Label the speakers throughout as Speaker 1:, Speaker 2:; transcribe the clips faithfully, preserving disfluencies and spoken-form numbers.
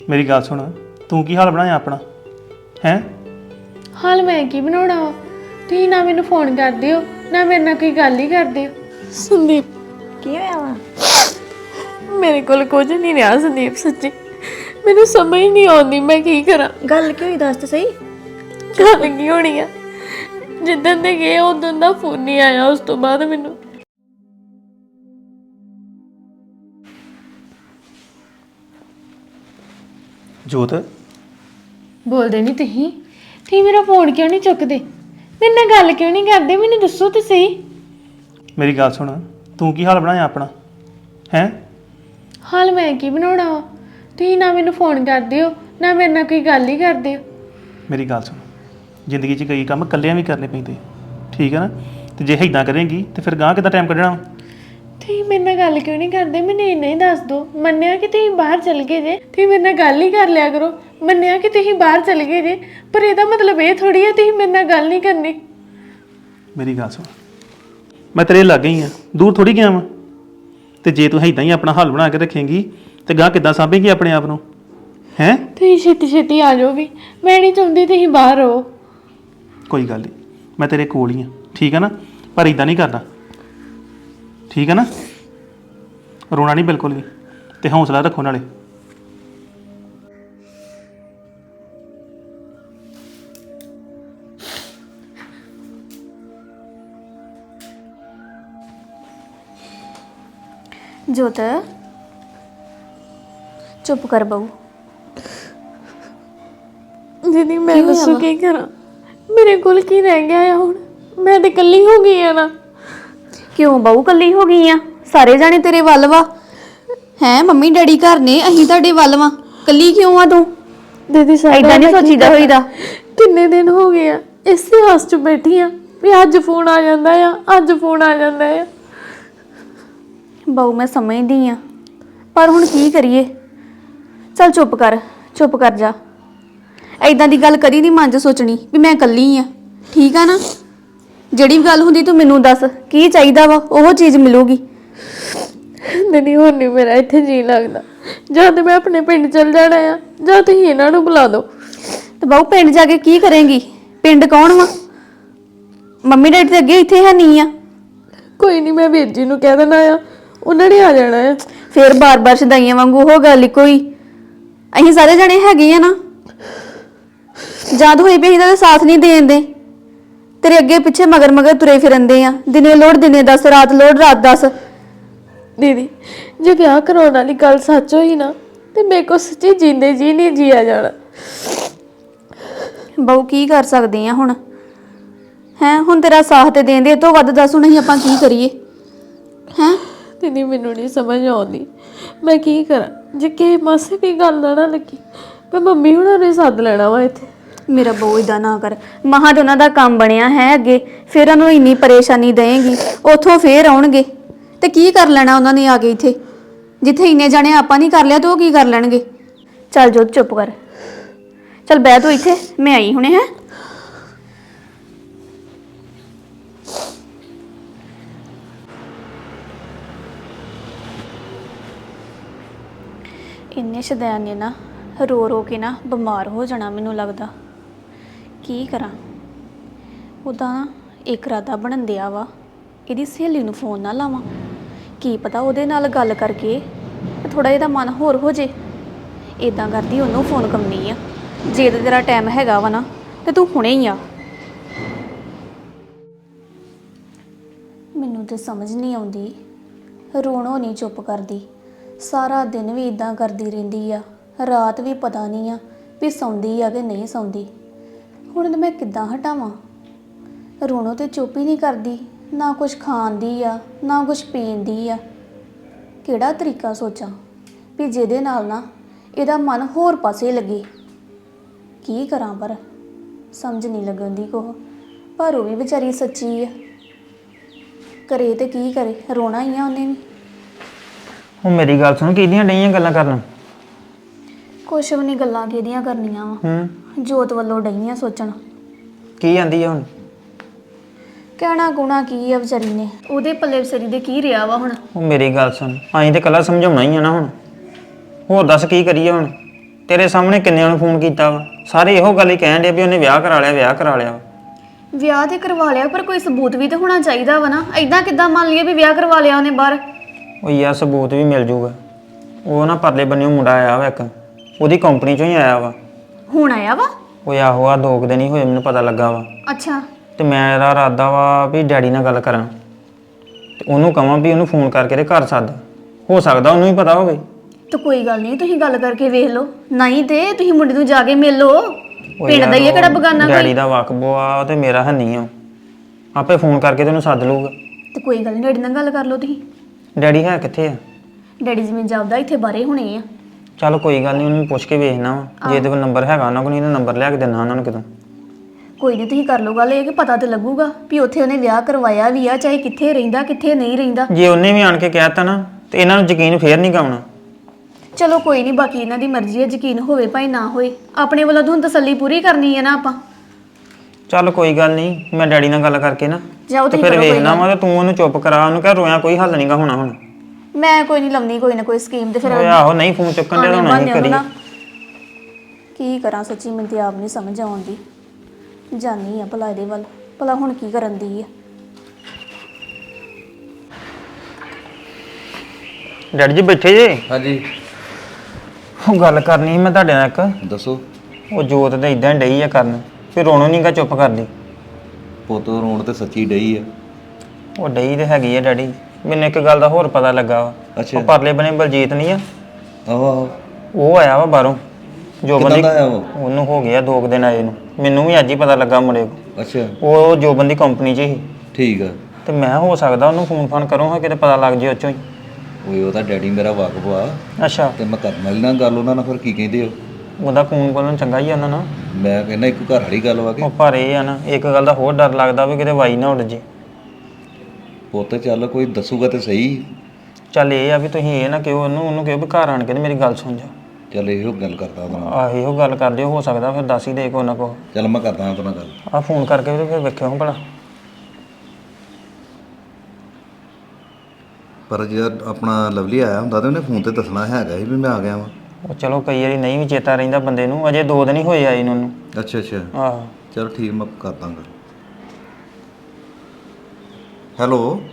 Speaker 1: ਮੇਰੀ ਗੱਲ ਸੁਣ, ਤੂੰ ਕੀ ਹਾਲ ਬਣਾਇਆ ਆਪਣਾ ਹੈ?
Speaker 2: ਹਾਲ ਮੈਂ ਕੀ ਬਣਾਉਣਾ ਵਾ? ਤੁਸੀਂ ਨਾ ਮੈਨੂੰ ਫੋਨ ਕਰਦੇ ਹੋ ਨਾ ਮੇਰੇ ਨਾਲ ਕੋਈ ਗੱਲ ਹੀ ਕਰਦੇ ਹੋ। ਸੰਦੀਪ
Speaker 3: ਕੀ ਹੋਇਆ ਵਾ?
Speaker 2: ਮੇਰੇ ਕੋਲ ਕੁਝ ਨਹੀਂ ਰਿਹਾ ਸੰਦੀਪ, ਸੱਚੀ ਮੈਨੂੰ ਸਮਝ ਨਹੀਂ ਆਉਂਦੀ ਮੈਂ ਕੀ ਕਰਾਂ।
Speaker 3: ਗੱਲ ਕੀ ਹੋਈ ਦੱਸ ਤਾਂ ਸਹੀ।
Speaker 2: ਗੱਲ ਕੀ ਹੋਣੀ ਆ, ਜਿੱਦਣ ਦੇ ਗਏ ਉਦੋਂ ਦਾ ਫੋਨ ਨਹੀਂ ਆਇਆ। ਉਸ ਤੋਂ ਬਾਅਦ ਮੈਨੂੰ
Speaker 1: ਜੋਤ
Speaker 2: ਬੋਲਦੇ ਨਹੀਂ ਤੁਸੀਂ ਤੁਸੀਂ ਮੇਰਾ ਫੋਨ ਕਿਉਂ ਨਹੀਂ ਚੁੱਕਦੇ? ਮੇਰੇ ਨਾਲ ਗੱਲ ਕਿਉਂ ਨਹੀਂ ਕਰਦੇ? ਮੈਨੂੰ ਦੱਸੋ ਤਾਂ ਸਹੀ।
Speaker 1: ਮੇਰੀ ਗੱਲ ਸੁਣ, ਤੂੰ ਕੀ ਹਾਲ ਬਣਾਇਆ ਆਪਣਾ ਹੈ?
Speaker 2: ਹਾਲ ਮੈਂ ਕੀ ਬਣਾਉਣਾ ਵਾ? ਤੁਸੀਂ ਨਾ ਮੈਨੂੰ ਫੋਨ ਕਰਦੇ ਹੋ ਨਾ ਮੇਰੇ ਨਾਲ ਕੋਈ ਗੱਲ ਹੀ ਕਰਦੇ ਹੋ।
Speaker 1: ਮੇਰੀ ਗੱਲ ਸੁਣ, ਜ਼ਿੰਦਗੀ 'ਚ ਕਈ ਕੰਮ ਇਕੱਲਿਆਂ ਵੀ ਕਰਨੇ ਪੈਂਦੇ, ਠੀਕ ਹੈ ਨਾ? ਤੇ ਜੇ ਇੱਦਾਂ ਕਰੇਂਗੀ ਤੇ ਫਿਰ ਗਾਂ ਕਿੱਦਾਂ ਟਾਈਮ ਕੱਢਣਾ?
Speaker 2: ਤੁਸੀਂ ਮੇਰੇ ਨਾਲ ਗੱਲ ਕਿਉਂ ਨਹੀਂ ਕਰਦੇ? ਮੈਨੂੰ ਇੰਨਾ ਹੀ ਦੱਸ ਦਿਓ। ਮੰਨਿਆ ਕਿ ਤੁਸੀਂ ਬਾਹਰ ਚਲ ਗਏ ਜੇ, ਤੁਸੀਂ ਮੇਰੇ ਨਾਲ ਗੱਲ ਹੀ ਕਰ ਲਿਆ ਕਰੋ। ਮੰਨਿਆ ਕਿ ਤੁਸੀਂ ਬਾਹਰ ਚਲ ਗਏ ਜੇ, ਪਰ ਇਹਦਾ ਮਤਲਬ ਇਹ ਥੋੜੀ ਹੈ ਤੁਸੀਂ ਮੇਰੇ ਨਾਲ ਗੱਲ ਨਹੀਂ ਕਰਨੀ।
Speaker 1: ਮੇਰੀ ਗੱਲ ਸੁਣ, ਮੈਂ ਤੇਰੇ ਲਾਗੇ ਹੀ ਆ, ਦੂਰ ਥੋੜੀ ਗਿਆ ਵਾਂ। ਤੇ ਜੇ ਤੂੰ ਇੱਦਾਂ ਹੀ ਆਪਣਾ ਹੱਲ ਬਣਾ ਕੇ ਰੱਖੇਂਗੀ ਤੇ ਗਾਂ ਕਿੱਦਾਂ ਸਾਂਭੇਂਗੀ ਆਪਣੇ ਆਪ ਨੂੰ ਹੈ?
Speaker 2: ਤੁਸੀਂ ਛੇਤੀ ਛੇਤੀ ਆ ਜਾਓ ਵੀ, ਮੈਂ ਨਹੀਂ ਚਾਹੁੰਦੀ ਤੁਸੀਂ ਬਾਹਰ ਰਹੋ।
Speaker 1: ਕੋਈ ਗੱਲ ਨਹੀਂ, ਮੈਂ ਤੇਰੇ ਕੋਲ ਹੀ ਆ, ਠੀਕ ਹੈ ਨਾ? ਪਰ ਇੱਦਾਂ ਨਹੀਂ ਕਰਨਾ, ਠੀਕ ਹੈ ਨਾ? ਰੋਣਾ ਨਹੀਂ ਬਿਲਕੁਲ ਵੀ, ਤੇ ਹੌਸਲਾ ਰੱਖੋ ਨਾਲੇ।
Speaker 3: ਜੋਤ ਚੁੱਪ ਕਰ ਬਹੂ।
Speaker 2: ਦੀਦੀ ਮੈਂ ਦੱਸੋ ਕੀ ਕਰਾਂ? ਮੇਰੇ ਕੋਲ ਕੀ ਰਹਿ ਗਿਆ ਆ ਹੁਣ? ਮੈਂ ਤੇ ਇਕੱਲੀ ਹੋ ਗਈ ਆ ਨਾ।
Speaker 3: ਕਿਉਂ ਬਹੂ ਕੱਲੀ ਹੋ ਗਈ ਆ? ਸਾਰੇ ਜਾਣੇ ਤੇਰੇ ਵੱਲ ਵਾ ਹੈ। ਮੰਮੀ ਡੈਡੀ ਘਰ ਨੇ, ਅਸੀਂ ਤੁਹਾਡੇ ਵੱਲ ਵਾ। ਕੱਲੀ ਕਿਉਂ ਆ ਤੂੰ?
Speaker 2: ਦੀਦੀ
Speaker 3: ਏਦਾਂ ਨਹੀਂ ਸੋਚੀਦਾ ਹੋਈਦਾ।
Speaker 2: ਕਿੰਨੇ ਦਿਨ ਹੋ ਗਏ ਆ ਇਸੇ ਹਾਸ 'ਚ ਬੈਠੀ ਆ ਵੀ ਅੱਜ ਫੋਨ ਆ ਜਾਂਦਾ ਆ, ਅੱਜ ਫੋਨ ਆ ਜਾਂਦਾ ਆ।
Speaker 3: ਬਹੂ ਮੈਂ ਸਮਝਦੀ ਆ, ਪਰ ਹੁਣ ਕੀ ਕਰੀਏ? ਚੱਲ ਚੁੱਪ ਕਰ, ਚੁੱਪ ਕਰ ਜਾ। ਐਦਾਂ ਦੀ ਗੱਲ ਕਦੀ ਨਹੀਂ ਮਨ 'ਚ ਸੋਚਣੀ ਵੀ ਮੈਂ ਇਕੱਲੀ ਆ, ਠੀਕ ਆ ਨਾ? ਜਿਹੜੀ ਵੀ ਗੱਲ ਹੁੰਦੀ ਤੂੰ ਮੈਨੂੰ ਦੱਸ, ਕੀ ਚਾਹੀਦਾ ਵਾ ਉਹ ਚੀਜ਼ ਮਿਲੂਗੀ।
Speaker 2: ਨਹੀਂ ਹੁਣ ਨਹੀਂ ਮੇਰਾ ਇੱਥੇ ਜੀ ਲੱਗਦਾ। ਜਾਂ ਤੇ ਮੈਂ ਆਪਣੇ ਪਿੰਡ ਚਲ ਜਾਣਾ ਆ, ਜਾਂ ਤੁਸੀਂ ਇਹਨਾਂ ਨੂੰ ਬੁਲਾ ਦਿਓ।
Speaker 3: ਤੇ ਬਹੂ ਪਿੰਡ ਜਾ ਕੇ ਕੀ ਕਰੇਂਗੀ? ਪਿੰਡ ਕੌਣ ਵਾ? ਮੰਮੀ ਡੈਡੀ ਤੇ ਅੱਗੇ ਇੱਥੇ ਹੈ ਨਹੀਂ ਆ।
Speaker 2: ਕੋਈ ਨਹੀਂ, ਮੈਂ ਵੀਰ ਜੀ ਨੂੰ ਕਹਿ ਦੇਣਾ ਆ, ਉਹਨਾਂ ਨੇ ਆ ਜਾਣਾ ਆ।
Speaker 3: ਫੇਰ ਬਾਰ-ਬਾਰ ਸ਼ਦਾਈਆਂ ਵਾਂਗੂ ਉਹ ਗੱਲ ਕੋਈ। ਅਸੀਂ ਸਾਰੇ ਜਣੇ ਹੈਗੇ ਆ ਨਾ। ਜਦ ਹੋਈ ਪਈ ਇਹਦਾ ਸਾਥ ਨਹੀਂ ਦੇਣ ਦੇ, ਤੇਰੇ ਅੱਗੇ ਪਿੱਛੇ ਮਗਰ ਮਗਰ ਤੁਰੇ ਫਿਰੰਦੇ ਆ। ਦਿਨੇ ਲੋੜ ਦਿਨੇ ਦੱਸ, ਰਾਤ ਲੋੜ ਰਾਤ ਦੱਸ।
Speaker 2: ਦੀਦੀ ਜੇ ਵਿਆਹ ਕਰਾਉਣ ਵਾਲੀ ਗੱਲ ਸੱਚ ਹੋਈ ਨਾ ਤੇ ਮੇਰੇ ਕੋ ਸੱਚੀ ਜਿੰਦੇ ਜੀ ਨਹੀਂ ਜੀਆ ਜਾਣਾ।
Speaker 3: ਬਹੂ ਕੀ ਕਰ ਸਕਦੇ ਆ ਹੁਣ ਹੈ? ਹੁਣ ਤੇਰਾ ਸਾਥ ਤੇ ਦੇਣ ਦੇ ਤੋਂ ਵੱਧ ਦੱਸ ਹੁਣ ਅਸੀਂ ਆਪਾਂ ਕੀ ਕਰੀਏ ਹੈ?
Speaker 2: ਦੀਦੀ ਮੈਨੂੰ ਨਹੀਂ ਸਮਝ ਆਉਂਦੀ ਮੈਂ ਕੀ ਕਰਾਂ। ਜੇ ਕਿਸੇ ਮਾਸੇ ਵੀ ਗੱਲ ਨਾ ਨਾ ਲੱਗੀ ਮੈਂ ਮੰਮੀ ਹੁਣਾਂ ਨੇ ਸੱਦ ਲੈਣਾ ਵਾ ਇੱਥੇ।
Speaker 3: ਮੇਰਾ ਬਹੂ ਏਦਾਂ ਨਾ ਕਰ। ਮਹਾਂ ਤੇ ਉਹਨਾਂ ਦਾ ਕੰਮ ਬਣਿਆ ਹੈ ਅੱਗੇ, ਫਿਰ ਉਹਨਾਂ ਨੂੰ ਇੰਨੀ ਪਰੇਸ਼ਾਨੀ ਦੇਂਗੀ, ਉੱਥੋਂ ਫੇਰ ਆਉਣਗੇ ਤੇ ਕੀ ਕਰ ਲੈਣਾ ਉਹਨਾਂ ਨੇ ਆ ਕੇ ਇੱਥੇ? ਜਿੱਥੇ ਇੰਨੇ ਜਾਣੇ ਆਪਾਂ ਨਹੀਂ ਕਰ ਲਿਆ ਤਾਂ ਉਹ ਕੀ ਕਰ ਲੈਣਗੇ? ਚੱਲ ਜੋਤ ਚੁੱਪ ਕਰ, ਚੱਲ ਬਹਿ ਤੂੰ ਇੱਥੇ, ਮੈਂ ਆਈ ਹੁਣੇ ਹੈ। ਇੰਨੇ ਸ਼ਦੈਨ ਨੇ ਨਾ ਰੋ ਰੋ ਕੇ ਨਾ ਬਿਮਾਰ ਹੋ ਜਾਣਾ ਮੈਨੂੰ ਲੱਗਦਾ। ਕੀ ਕਰਾਂ? ਉਹਦਾ ਇੱਕ ਰਾਦਾ ਬਣਨ ਦਿਆ ਵਾ, ਇਹਦੀ ਸਹੇਲੀ ਨੂੰ ਫੋਨ ਨਾ ਲਾਵਾਂ। ਕੀ ਪਤਾ ਉਹਦੇ ਨਾਲ ਗੱਲ ਕਰਕੇ ਥੋੜਾ ਇਹਦਾ ਮਨ ਹੋਰ ਹੋ ਜੇ। ਇਦਾਂ ਕਰਦੀ ਉਹਨੂੰ ਫੋਨ ਕਰਨੀ ਆ। ਜੇ ਤੇ ਤੇਰਾ ਟਾਈਮ ਹੈਗਾ ਵਾ ਨਾ ਤੇ ਤੂੰ ਹੁਣੇ ਹੀ ਆ। ਮੈਨੂੰ ਤੇ ਸਮਝ ਨਹੀਂ ਆਉਂਦੀ, ਰੋਣੋਂ ਨਹੀਂ ਚੁੱਪ ਕਰਦੀ। ਸਾਰਾ ਦਿਨ ਵੀ ਇਦਾਂ ਕਰਦੀ ਰਹਿੰਦੀ ਆ, ਰਾਤ ਵੀ ਪਤਾ ਨਹੀਂ ਆ ਵੀ ਸੌਂਦੀ ਆ ਕਿ ਨਹੀਂ ਸੌਂਦੀ। ਹੁਣ ਤੇ ਮੈਂ ਕਿੱਦਾਂ ਹਟਾਵਾਂ? ਰੋਣੋਂ ਤੇ ਚੁੱਪ ਹੀ ਨਹੀਂ ਕਰਦੀ, ਨਾ ਕੁਝ ਖਾਣ ਦੀ ਆ ਨਾ ਕੁਝ ਪੀਣ ਦੀ ਆ। ਕਿਹੜਾ ਤਰੀਕਾ ਸੋਚਾਂ ਵੀ ਜਿਹਦੇ ਨਾਲ ਨਾ ਇਹਦਾ ਮਨ ਹੋਰ ਪਾਸੇ ਲੱਗੇ? ਕੀ ਕਰਾਂ ਪਰ ਸਮਝ ਨਹੀਂ ਲੱਗਦੀ ਕੋਹ। ਪਰ ਉਹ ਵੀ ਵਿਚਾਰੀ ਸੱਚੀ ਆ, ਕਰੇ ਤੇ ਕੀ ਕਰੇ? ਰੋਣਾ ਹੀ ਆ ਉਹਨੇ ਵੀ।
Speaker 4: ਉਹ ਮੇਰੀ ਗੱਲ ਸੁਣ, ਕਿਹਦੀਆਂ ਡਈਆਂ ਗੱਲਾਂ ਕਰਨ?
Speaker 3: ਕੁਛ ਵੀ ਨਹੀਂ, ਗੱਲਾਂ ਕਿਹਦੀਆਂ ਕਰਨੀਆਂ ਵਾ?
Speaker 4: ਹੂੰ,
Speaker 3: ਜੋਤ ਵੱਲੋਂ ਡਈਆਂ ਸੋਚਣ।
Speaker 4: ਕੀ ਆਂਦੀ ਆ ਹੁਣ?
Speaker 3: ਕਹਿਣਾ ਗੁਣਾ ਕੀ ਆ ਵਿਚਾਰੀ ਨੇ, ਉਹਦੇ ਪੱਲੇ ਵਿਚਾਰੀ ਦੇ ਕੀ ਰਿਹਾ ਵਾ ਹੁਣ?
Speaker 4: ਉਹ ਮੇਰੀ ਗੱਲ ਸੁਣ, ਅਸੀਂ ਤੇ ਕੱਲਾ ਸਮਝਾਉਣਾ ਹੀ ਆ ਨਾ ਹੁਣ। ਹੋਰ ਦੱਸ ਕੀ ਕਰੀਏ ਹੁਣ? ਤੇਰੇ ਸਾਹਮਣੇ ਕਿੰਨਿਆਂ ਨੂੰ ਫੋਨ ਕੀਤਾ ਵਾ ਸਾਰੇ ਇਹੋ ਗੱਲ ਹੀ ਕਹਿਣ ਡੇ ਵੀ ਉਹਨੇ ਵਿਆਹ ਕਰਾ ਲਿਆ ਵਿਆਹ ਕਰਾ ਲਿਆ ਵਾ।
Speaker 3: ਵਿਆਹ ਤੇ ਕਰਵਾ ਲਿਆ ਪਰ ਕੋਈ ਸਬੂਤ ਵੀ ਤਾਂ ਹੋਣਾ ਚਾਹੀਦਾ ਵਾ ਨਾ। ਐਦਾਂ ਕਿੱਦਾਂ ਮੰਨ ਲਈਏ ਵੀ ਵਿਆਹ ਕਰਵਾ ਲਿਆ ਉਹਨੇ ਬਾਹਰ।
Speaker 4: ਉਹ ਯਾਰ ਸਬੂਤ ਵੀ ਮਿਲ ਜੂਗਾ। ਉਹ ਨਾ ਪਰਲੇ ਬੰਨਿਓ ਮੁੰਡਾ ਆਇਆ ਵਾ ਇੱਕ, ਉਹਦੀ ਕੰਪਨੀ ਚੋਂ ਹੀ ਆਇਆ ਵਾ।
Speaker 3: ਹੁਣ ਆਇਆ ਵਾ?
Speaker 4: ਉਹ ਆਹੋ ਆ ਦੋ ਕੁ ਦਿਨ ਹੀ ਹੋਏ ਮੈਨੂੰ ਪਤਾ ਲੱਗਾ ਵਾ।
Speaker 3: ਅੱਛਾ।
Speaker 4: ਤੇ ਮੇਰਾ ਇਰਾਦਾ ਵਾ ਵੀ ਡੈਡੀ ਨਾਲ ਗੱਲ ਕਰਾਂ ਤੇ ਉਹਨੂੰ ਕਹਾਂ ਵੀ ਉਹਨੂੰ ਫੋਨ ਕਰਕੇ ਤੇ ਘਰ ਸੱਦ, ਹੋ ਸਕਦਾ ਉਹਨੂੰ ਹੀ ਪਤਾ ਹੋਵੇ।
Speaker 3: ਤਾਂ ਕੋਈ ਗੱਲ ਨਹੀਂ, ਤੁਸੀਂ ਗੱਲ ਕਰਕੇ ਵੇਖ ਲਓ। ਨਹੀਂ ਤੇ ਤੁਸੀਂ ਮੁੰਡੇ ਨੂੰ ਜਾ ਕੇ ਮਿਲ ਲਓ। ਪਿੰਡ ਦਾ ਹੀ ਹੈ ਕਿਹੜਾ ਬਗਾਨਾ ਕੋਈ।
Speaker 4: ਡੈਡੀ ਦਾ ਵਾਕਬੋ ਆ ਤੇ ਮੇਰਾ ਹੈ ਨਹੀਂ ਆ। ਆਪੇ ਫੋਨ ਕਰਕੇ ਤੈਨੂੰ ਸੱਦ ਲਊਗਾ।
Speaker 3: ਤੇ ਕੋਈ ਗੱਲ ਨਹੀਂ, ਡੈਡੀ ਨਾਲ ਗੱਲ ਕਰ ਲਓ ਤੁਸੀਂ।
Speaker 4: ਡੈਡੀ ਹੈ ਕਿੱਥੇ ਆ?
Speaker 3: ਡੈਡੀ ਜਿਵੇਂ ਜਾਪਦਾ ਇੱਥੇ ਬਾਰੇ ਹੋਣੇ ਆ।
Speaker 4: ਚੱਲ ਕੋਈ ਗੱਲ ਨਹੀਂ, ਉਹਨੂੰ ਪੁੱਛ ਕੇ ਵੇਖਣਾ ਵਾ। ਜੇ ਇਹਦੇ ਕੋਲ ਨੰਬਰ ਹੈਗਾ ਉਹਨਾਂ ਕੋਲ, ਨਹੀਂ ਤਾਂ ਨੰਬਰ ਲਿਆ ਕੇ ਦੇਣਾ ਉਹਨਾਂ ਨੂੰ ਕਿਤੋਂ।
Speaker 3: ਕੋਈ ਨਹੀਂ, ਤੁਸੀਂ ਕਰ ਲਓ ਗੱਲ। ਇਹ ਕਿ ਪਤਾ ਤੇ ਲੱਗੂਗਾ ਵੀ ਉੱਥੇ ਉਹਨੇ ਵਿਆਹ ਕਰਵਾਇਆ ਵੀ ਆ, ਚਾਹੇ ਕਿੱਥੇ ਰਹਿੰਦਾ ਕਿੱਥੇ ਨਹੀਂ ਰਹਿੰਦਾ।
Speaker 4: ਜੇ ਉਹਨੇ ਵੀ ਆਣ ਕੇ ਕਹਿਤਾ ਨਾ ਤੇ ਇਹਨਾਂ ਨੂੰ ਯਕੀਨ ਫੇਰ ਨਹੀਂ ਕਰਨਾ।
Speaker 3: ਚਲੋ ਕੋਈ ਨਹੀਂ, ਬਾਕੀ ਇਹਨਾਂ ਦੀ ਮਰਜ਼ੀ ਹੈ, ਯਕੀਨ ਹੋਵੇ ਭਾਈ ਨਾ ਹੋਏ। ਆਪਣੇ ਵੱਲੋਂ ਤਾਂ ਹੁਣ ਤਸੱਲੀ ਪੂਰੀ ਕਰਨੀ ਹੈ ਨਾ ਆਪਾਂ।
Speaker 4: ਚੱਲ ਕੋਈ ਗੱਲ ਨਹੀਂ, ਮੈਂ ਡੈਡੀ ਨਾਲ ਗੱਲ ਕਰਕੇ ਨਾ
Speaker 3: ਜਾਓ
Speaker 4: ਤੇ
Speaker 3: ਤੁਸੀਂ
Speaker 4: ਫਿਰ
Speaker 3: ਕਰੋ ਕੋਈ
Speaker 4: ਵੇਖਣਾ
Speaker 3: ਗੱਲ।
Speaker 4: ਵਾ ਤੇ ਤੂੰ ਉਹਨੂੰ ਚੁੱਪ ਕਰਾ, ਉਹਨੂੰ ਕਹਿ ਰੋਇਆ ਕੋਈ ਹੱਲ ਨਹੀਂਗਾ ਹੋਣਾ ਹੁਣ।
Speaker 3: ਮੈਂ ਕੋਈ ਨਹੀਂ ਲੰਮੀ ਕੋਈ ਨਾ ਕੋਈ ਸਕੀਮ ਤੇ ਫਿਰ
Speaker 4: ਓਏ ਆਹੋ ਨਹੀਂ ਫੋਨ ਚੁੱਕਣ ਦੇ
Speaker 3: ਆਨੇ
Speaker 4: ਹੋਣਾ
Speaker 3: ਬਹਾਨੇ
Speaker 4: ਨਹੀਂ ਕਰੀ।
Speaker 3: ਉਹਨੂੰ ਨਾ- ਕੀ ਕਰਾਂ ਸੱਚੀ, ਮੈਨੂੰ ਤੇ ਆਪ ਨਹੀਂ ਸਮਝ ਆਉਂਦੀ। ਜਾਨੀ ਆ ਭਲਾ ਇਹਦੇ ਵੱਲ, ਭਲਾ ਹੁਣ ਕੀ ਕਰਨ ਦੀ ਆ।
Speaker 4: ਡੈਡੀ ਜੀ ਬੈਠੇ ਜੇ?
Speaker 5: ਹਾਂਜੀ
Speaker 4: ਉਹ ਗੱਲ ਕਰਨੀ ਸੀ ਮੈਂ ਤੁਹਾਡੇ ਨਾਲ ਇੱਕ।
Speaker 5: ਦੱਸੋ।
Speaker 4: ਉਹ ਜੋਤ ਤੇ ਇਦਾਂ ਡਈ ਆ ਕਰਨ, ਫਿਰ ਰੋਣੋ ਨਹੀਂਗਾ ਚੁੱਪ ਕਰਦੀ।
Speaker 5: ਪੁੱਤ ਰੋਣ ਤੇ ਸੱਚੀ ਡਈ ਆ।
Speaker 4: ਉਹ ਡਈ ਤੇ ਹੈਗੀ ਆ ਡੈਡੀ। ਮੈਨੂੰ ਇੱਕ ਗੱਲ ਦਾ ਹੋਰ ਪਤਾ ਲੱਗਾ ਵਾ।
Speaker 5: ਅੱਛਾ।
Speaker 4: ਉਹ ਪਰਲੇ ਬਨੇ ਬਲਜੀਤ ਨਹੀਂ ਆ,
Speaker 5: ਆਹੋ ਆਹੋ।
Speaker 4: ਉਹ ਆਇਆ ਵਾ ਬਾਹਰੋਂ। ਜੋ
Speaker 5: ਕਿੱਦਾਂ
Speaker 4: ਬੰਦੀ
Speaker 5: ਦਾ ਆਇਆ ਉਹ?
Speaker 4: ਉਹਨੂੰ ਹੋ ਗਿਆ ਦੋ ਕੁ ਦਿਨ ਆਏ ਨੂੰ। ਮੈਨੂੰ ਵੀ ਅੱਜ ਹੀ ਪਤਾ ਲੱਗਾ ਮੁੰਡੇ ਕੋਲ।
Speaker 5: ਅੱਛਾ
Speaker 4: ਉਹ ਜੋ ਬੰਦੀ ਕੰਪਨੀ 'ਚ ਸੀ
Speaker 5: ਠੀਕ ਆ।
Speaker 4: ਤੇ ਮੈਂ ਹੋ ਸਕਦਾ ਉਹਨੂੰ ਫੋਨ ਫਾਨ ਕਰੂੰ ਹਾਂ ਕਿਤੇ ਪਤਾ ਲੱਗ ਜੇ ਉਹ 'ਚੋਂ ਹੀ।
Speaker 5: ਓਏ ਉਹਦਾ ਡੈਡੀ ਮੇਰਾ ਵਾਕਫ ਆ
Speaker 4: ਅੱਛਾ।
Speaker 5: ਤੇ ਮੈਂ ਕਰਨ ਵਾਲੀ ਨਾਲ ਗੱਲ ਉਹਨਾਂ ਨਾਲ ਫਿਰ ਕੀ ਕਹਿੰਦੇ ਹੋ?
Speaker 4: ਉਹਦਾ ਖੂਨ ਕੋਲੋਂ ਚੰਗਾ ਹੀ ਆ ਉਹਨਾਂ ਨਾਲ।
Speaker 5: ਮੈਂ ਕਹਿੰਦਾ ਇੱਕ ਘਰ ਵਾਲੀ ਗੱਲ ਵਾ ਕਿ
Speaker 4: ਉਹ ਪਰ ਇਹ ਆ ਨਾ, ਇੱਕ ਗੱਲ ਦਾ ਹੋਰ ਡਰ ਲੱਗਦਾ ਵੀ ਕਿਤੇ ਵਾਈ ਨਾ ਉੱਡ ਜੇ।
Speaker 5: ਪੁੱਤ ਚੱਲ ਕੋਈ ਦੱਸੂਗਾ ਤੇ ਸਹੀ।
Speaker 4: ਚੱਲ ਇਹ ਆ ਵੀ ਤੁਸੀਂ ਇਹ ਨਾ ਕਿਹੋ ਉਹਨੂੰ, ਉਹਨੂੰ ਕਿਹੋ ਵੀ ਘਰ ਆਣ ਕੇ ਤੇ ਮੇਰੀ ਗੱਲ ਸੁਣ ਜਾ।
Speaker 5: ਚੱਲ ਇਹੋ ਗੱਲ ਕਰਦਾ ਉਹਦੇ ਨਾਲ।
Speaker 4: ਆਹ ਇਹੋ ਗੱਲ ਕਰ ਲਿਓ, ਹੋ ਸਕਦਾ ਫਿਰ ਦੱਸ ਹੀ ਦੇ ਕੋ ਨਾ ਕੋ।
Speaker 5: ਚੱਲ ਮੈਂ ਕਰਦਾ ਉਹਦੇ ਨਾਲ ਗੱਲ।
Speaker 4: ਆਹ ਫੋਨ ਕਰਕੇ ਤੇ ਫਿਰ ਵੇਖਿਓ ਹਾਂ ਭਲਾ।
Speaker 5: ਪਰ ਜੇ ਆਪਣਾ ਲਵਲੀ ਆਇਆ ਹੁੰਦਾ ਤੇ ਉਹਨੇ ਫੋਨ ਤੇ ਦੱਸਣਾ ਹੈਗਾ ਸੀ ਵੀ ਮੈਂ ਆ ਗਿਆ ਵਾਂ।
Speaker 4: ਉਹ ਚਲੋ ਕਈ ਵਾਰੀ ਨਹੀਂ ਵੀ ਚੇਤਾ ਰਹਿੰਦਾ ਬੰਦੇ ਨੂੰ, ਅਜੇ ਦੋ ਦਿਨ ਹੀ ਹੋਏ ਆਏ ਨੂੰ ਉਹਨੂੰ।
Speaker 5: ਅੱਛਾ ਅੱਛਾ
Speaker 4: ਆਹੋ।
Speaker 5: ਚਲ ਠੀਕ, ਮੈਂ ਕਰ ਦਾਂਗਾ। ਹੈਲੋ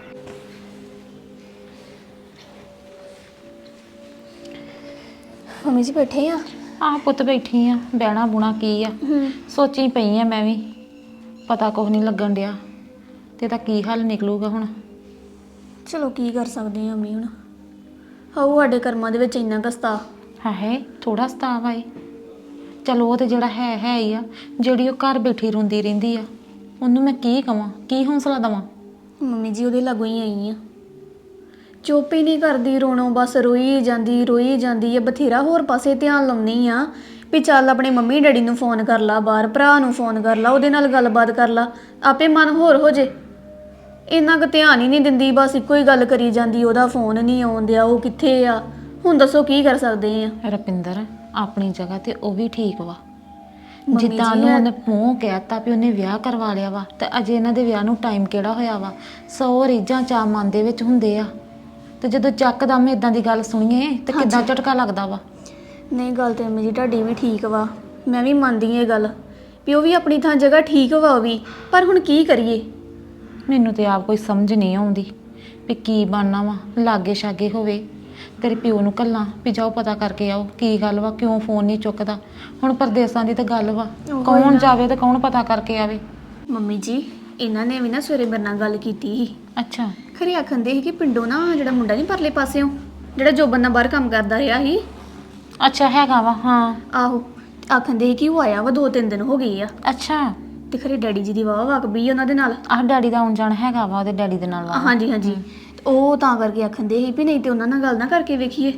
Speaker 3: ਮੰਮੀ ਜੀ ਬੈਠੇ ਆ?
Speaker 6: ਆਹ ਪੁੱਤ ਬੈਠੀ ਆ, ਬਹਿਣਾ ਬੁਣਾ ਕੀ ਆ। ਸੋਚੀ ਪਈ ਆ ਮੈਂ ਵੀ, ਪਤਾ ਕੁਛ ਨਹੀਂ ਲੱਗਣ ਡਿਆ ਤੇ ਇਹਦਾ ਕੀ ਹੱਲ ਨਿਕਲੂਗਾ ਹੁਣ।
Speaker 3: ਚਲੋ ਕੀ ਕਰ ਸਕਦੇ ਆ ਮੰਮੀ ਹੁਣ। ਹਾਉ ਸਾਡੇ ਕਰਮਾਂ ਦੇ ਵਿੱਚ ਇੰਨਾ ਕਸਤਾ।
Speaker 6: ਹਾਏ ਥੋੜਾ ਸਤਾਵ ਆਏ। ਚਲੋ ਉਹ ਤੇ ਜਿਹੜਾ ਹੈ ਹੈ ਹੀ ਆ। ਜਿਹੜੀ ਉਹ ਘਰ ਬੈਠੀ ਰੋਂਦੀ ਰਹਿੰਦੀ ਆ, ਉਹਨੂੰ ਮੈਂ ਕੀ ਕਵਾਂ, ਕੀ ਹੌਸਲਾ ਦੇਵਾਂ।
Speaker 3: ਮੰਮੀ ਜੀ ਉਹਦੇ ਲਾਗੋਂ ਹੀ ਆਈ ਆ। ਚੁੱਪ ਹੀ ਨਹੀਂ ਕਰਦੀ, ਰੋਣੋਂ ਬਸ ਰੋਈ ਜਾਂਦੀ ਰੋਈ ਜਾਂਦੀ ਹੈ। ਬਥੇਰਾ ਹੋਰ ਪਾਸੇ ਧਿਆਨ ਲਾਉਂਦੀ ਆ ਵੀ ਚੱਲ ਆਪਣੇ ਮੰਮੀ ਡੈਡੀ ਨੂੰ ਫੋਨ ਕਰ ਲਾ, ਬਾਹਰ ਭਰਾ ਨੂੰ ਫੋਨ ਕਰ ਲਾ, ਉਹਦੇ ਨਾਲ ਗੱਲਬਾਤ ਕਰ ਲਾ, ਆਪੇ ਮਨ ਹੋਰ ਹੋ ਜੇ। ਇੰਨਾ ਕੁ ਧਿਆਨ ਹੀ ਨਹੀਂ ਦਿੰਦੀ, ਬਸ ਇੱਕੋ ਹੀ ਗੱਲ ਕਰੀ ਜਾਂਦੀ, ਉਹਦਾ ਫੋਨ ਨਹੀਂ ਆਉਂਦਿਆ, ਉਹ ਕਿੱਥੇ ਆ। ਹੁਣ ਦੱਸੋ ਕੀ ਕਰ ਸਕਦੇ ਆ।
Speaker 6: ਰਪਿੰਦਰ ਆਪਣੀ ਜਗ੍ਹਾ ਤੇ ਉਹ ਵੀ ਠੀਕ ਵਾ। ਜਿੱਦਾਂ ਉਹਨੂੰ ਉਹਨੇ ਮੂੰਹ ਕਹਿਤਾ ਵੀ ਉਹਨੇ ਵਿਆਹ ਕਰਵਾ ਲਿਆ ਵਾ, ਤੇ ਅਜੇ ਇਹਨਾਂ ਦੇ ਵਿਆਹ ਨੂੰ ਟਾਈਮ ਕਿਹੜਾ ਹੋਇਆ ਵਾ। ਸੌ ਰੀਝਾਂ ਚਾਅ ਮਨ ਦੇ ਵਿੱਚ ਹੁੰਦੇ ਆ, ਤੇ ਜਦੋਂ ਚੱਕਦਮ ਇਦਾਂ ਦੀ ਗੱਲ ਸੁਣੀਏ ਤੇ ਕਿੱਦਾਂ ਝਟਕਾ ਲੱਗਦਾ ਵਾ।
Speaker 3: ਨਹੀਂ ਗੱਲ ਤੇ ਮੰਮੀ ਜੀ ਤੁਹਾਡੀ ਵੀ ਠੀਕ ਵਾ, ਮੈਂ ਵੀ ਮੰਨਦੀ ਹਾਂ ਇਹ ਗੱਲ ਵੀ ਉਹ ਵੀ ਆਪਣੀ ਥਾਂ ਜਗ੍ਹਾ ਠੀਕ ਵਾ ਉਹ ਵੀ, ਪਰ ਹੁਣ ਕੀ ਕਰੀਏ।
Speaker 6: ਮੈਨੂੰ ਤੇ ਆਪ ਕੋਈ ਸਮਝ ਨਹੀਂ ਆਉਂਦੀ ਵੀ ਕੀ ਬਣਨਾ ਵਾ। ਲਾਗੇ ਛਾਗੇ ਹੋਵੇ ਤੇਰੇ ਪਿਓ ਨੂੰ ਕੱਲਾਂ ਵੀ ਜਾਓ ਪਤਾ ਕਰਕੇ ਆਓ ਕੀ ਗੱਲ ਵਾ, ਕਿਉਂ ਫੋਨ ਨਹੀਂ ਚੁੱਕਦਾ। ਹੁਣ ਪਰਦੇਸਾਂ ਦੀ ਤਾਂ ਗੱਲ ਵਾ, ਕੌਣ ਜਾਵੇ ਤੇ ਕੌਣ ਪਤਾ ਕਰਕੇ ਆਵੇ।
Speaker 3: ਮੰਮੀ ਜੀ ਇਹਨਾਂ ਨੇ ਵੀ ਨਾ ਸਵੇਰੇ ਮੇਰੇ ਨਾਲ ਗੱਲ ਕੀਤੀ ਸੀ।
Speaker 6: ਅੱਛਾ।
Speaker 3: ਖਰੇ ਆਖੰਦੇ ਸੀ ਕਿ ਪਿੰਡੋਂ ਨਾ ਜਿਹੜਾ ਮੁੰਡਾ ਨਹੀਂ ਪਰਲੇ ਪਾਸਿਓਂ, ਜਿਹੜਾ ਜੋ ਬੰਦਾ ਬਾਹਰ ਕੰਮ ਕਰਦਾ ਰਿਹਾ ਸੀ।
Speaker 6: ਅੱਛਾ ਹੈਗਾ ਵਾ। ਹਾਂ
Speaker 3: ਆਹੋ, ਆਖੰਦੇ ਸੀ ਕਿ ਉਹ ਆਇਆ ਵਾ, ਦੋ ਤਿੰਨ ਦਿਨ ਹੋ ਗਏ ਆ।
Speaker 6: ਅੱਛਾ।
Speaker 3: ਤੇ ਖਰੇ ਡੈਡੀ ਜੀ ਦੀ ਵਾਹ ਵਾਕਬੀ ਉਹਨਾਂ ਦੇ ਨਾਲ।
Speaker 6: ਆਹ ਡੈਡੀ ਦਾ ਆਉਣ ਜਾਣ ਹੈਗਾ ਵਾ ਉਹਦੇ ਡੈਡੀ ਦੇ ਨਾਲ ਵਾ।
Speaker 3: ਹਾਂਜੀ ਹਾਂਜੀ, ਉਹ ਤਾਂ ਕਰਕੇ ਆਖੰਦੇ ਸੀ ਵੀ ਨਹੀਂ ਤੇ ਉਹਨਾਂ ਨਾਲ ਗੱਲ ਨਾ ਕਰਕੇ ਵੇਖੀਏ।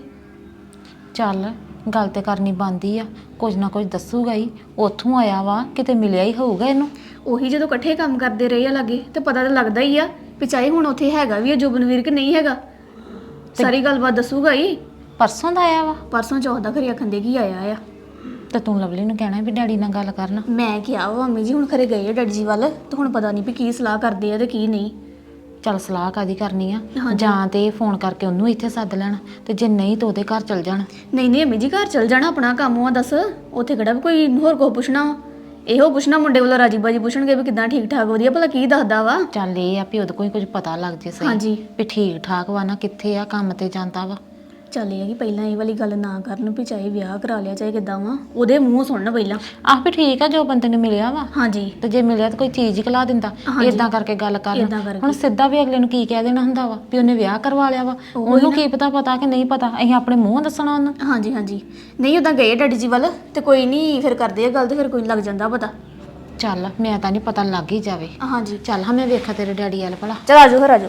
Speaker 6: ਚੱਲ ਗੱਲ ਤੇ ਕਰਨੀ ਬਣਦੀ ਆ, ਕੁਝ ਨਾ ਕੁਝ ਦੱਸੂਗਾ ਹੀ। ਉੱਥੋਂ ਆਇਆ ਵਾ, ਕਿਤੇ ਮਿਲਿਆ ਹੀ ਹੋਊਗਾ ਇਹਨੂੰ।
Speaker 3: ਉਹੀ ਜਦੋਂ ਇਕੱਠੇ ਕੰਮ ਕਰਦੇ ਰਹੇ ਆ ਲਾਗੇ ਤੇ ਪਤਾ ਤਾਂ ਲੱਗਦਾ ਹੀ ਆ ਵੀ ਚਾਹੇ ਹੁਣ ਉੱਥੇ ਹੈਗਾ ਵੀ ਆ ਜੁਬਨਵੀਰ ਕਿ ਨਹੀਂ ਹੈਗਾ। ਸਾਰੀ ਗੱਲਬਾਤ ਦੱਸੂਗਾ ਹੀ।
Speaker 6: ਪਰਸੋਂ ਦਾ ਆਇਆ ਵਾ।
Speaker 3: ਪਰਸੋਂ ਚੌਥ ਖਰੇ ਆਖੰਦੇ ਕੀ ਆਇਆ ਆ।
Speaker 6: ਤੇ ਤੂੰ ਲਵਲੀ ਨੂੰ ਕਹਿਣਾ ਵੀ ਡੈਡੀ ਨਾਲ ਗੱਲ ਕਰਨ।
Speaker 3: ਮੈਂ ਕਿਹਾ ਵਾ ਮੰਮੀ ਜੀ ਹੁਣ ਖਰੇ ਗਏ ਆ ਡੈਡੀ ਜੀ ਵੱਲ, ਤੇ ਹੁਣ ਪਤਾ ਨਹੀਂ ਵੀ ਕੀ ਸਲਾਹ ਕਰਦੇ ਆ ਤੇ ਕੀ ਨਹੀਂ।
Speaker 6: ਚੱਲ ਸਲਾਹ ਕਾਦੀ ਕਰਨੀ ਆ ਜਾਂ ਤੇ ਫੋਨ ਕਰਕੇ ਉਹਨੂੰ ਇੱਥੇ ਸੱਦ ਲੈਣ ਤੇ ਜੇ ਨਹੀਂ ਤਾਂ ਉਹਦੇ ਘਰ ਚਲ ਜਾਣ।
Speaker 3: ਨਹੀਂ ਨਹੀਂ ਅਮੀ ਜੀ ਘਰ ਚਲ ਜਾਣਾ, ਆਪਣਾ ਕੰਮ ਆ ਦੱਸ, ਉੱਥੇ ਕਿਹੜਾ ਵੀ ਕੋਈ ਹੋਰ ਕੋ ਪੁੱਛਣਾ ਵਾ। ਇਹੋ ਪੁੱਛਣਾ ਮੁੰਡੇ ਵੱਲੋਂ ਰਾਜੀ ਬਾਜੀ ਪੁੱਛਣਗੇ ਵੀ ਕਿਦਾਂ ਠੀਕ ਠਾਕ ਵਧੀਆ ਭਲਾ ਕੀ ਦੱਸਦਾ ਵਾ।
Speaker 6: ਚੱਲ ਇਹ ਆ ਵੀ ਉਹਦੇ ਕੋਈ ਕੁਝ ਪਤਾ ਲੱਗ ਜੇ ਸਹੀ
Speaker 3: ਹਾਂਜੀ।
Speaker 6: ਵੀ ਠੀਕ ਠਾਕ ਵਾ ਨਾ, ਕਿੱਥੇ ਆ, ਕੰਮ ਤੇ ਜਾਂਦਾ ਵਾ।
Speaker 3: ਚੱਲ ਇਹ ਆ ਕਿ ਪਹਿਲਾਂ ਇਹ ਵਾਲੀ ਗੱਲ ਨਾ ਕਰਨ ਵੀ ਚਾਹੇ ਵਿਆਹ ਕਰਾ ਲਿਆ ਚਾਹੇ ਕਿਦਾਂ ਵਾ, ਉਹਦੇ ਮੂੰਹ ਸੁਣਨ ਪਹਿਲਾਂ।
Speaker 6: ਆਹ ਵੀ ਠੀਕ ਆ ਜੋ ਬੰਦੇ ਨੂੰ ਮਿਲਿਆ ਵਾ
Speaker 3: ਹਾਂਜੀ
Speaker 6: ਤੇ ਜੇ ਮਿਲਿਆ ਤਾਂ ਕੋਈ ਚੀਜ਼ ਹੀ ਖਿਲਾ ਦਿੰਦਾ।
Speaker 3: ਹਾਂਜੀ।
Speaker 6: ਇਦਾਂ ਕਰਕੇ ਗੱਲ ਕਰ
Speaker 3: ਏਦਾਂ ਕਰਕੇ।
Speaker 6: ਹੁਣ ਸਿੱਧਾ ਵੀ ਅਗਲੇ ਨੂੰ ਕੀ ਕਹਿ ਦੇਣਾ ਹੁੰਦਾ ਵਾ ਵੀ ਉਹਨੇ ਵਿਆਹ ਕਰਵਾ ਲਿਆ ਵਾ, ਉਹਨੂੰ ਕੀ ਪਤਾ ਪਤਾ ਕਿ ਨਹੀਂ ਪਤਾ, ਅਸੀਂ ਆਪਣੇ ਮੂੰਹ ਦੱਸਣਾ ਉਹਨੂੰ।
Speaker 3: ਹਾਂਜੀ ਹਾਂਜੀ ਨਹੀਂ ਉਦਾਂ ਗਏ ਡੈਡੀ ਜੀ ਵੱਲ ਤੇ ਕੋਈ ਨਹੀਂ ਫਿਰ ਕਰਦੇ ਆ ਗੱਲ ਤੇ ਫਿਰ ਕੋਈ ਲੱਗ ਜਾਂਦਾ ਪਤਾ।
Speaker 6: ਚੱਲ ਮੈਂ ਤਾਂ ਨਹੀਂ ਪਤਾ ਲੱਗ ਹੀ ਜਾਵੇ।
Speaker 3: ਹਾਂਜੀ
Speaker 6: ਚੱਲ ਹਾਂ ਮੈਂ ਵੇਖਾਂ ਤੇਰੇ ਡੈਡੀ ਵਾਲ ਭਲਾ।
Speaker 3: ਚਲ ਆਜੋ ਫਿਰ ਆਜੋ।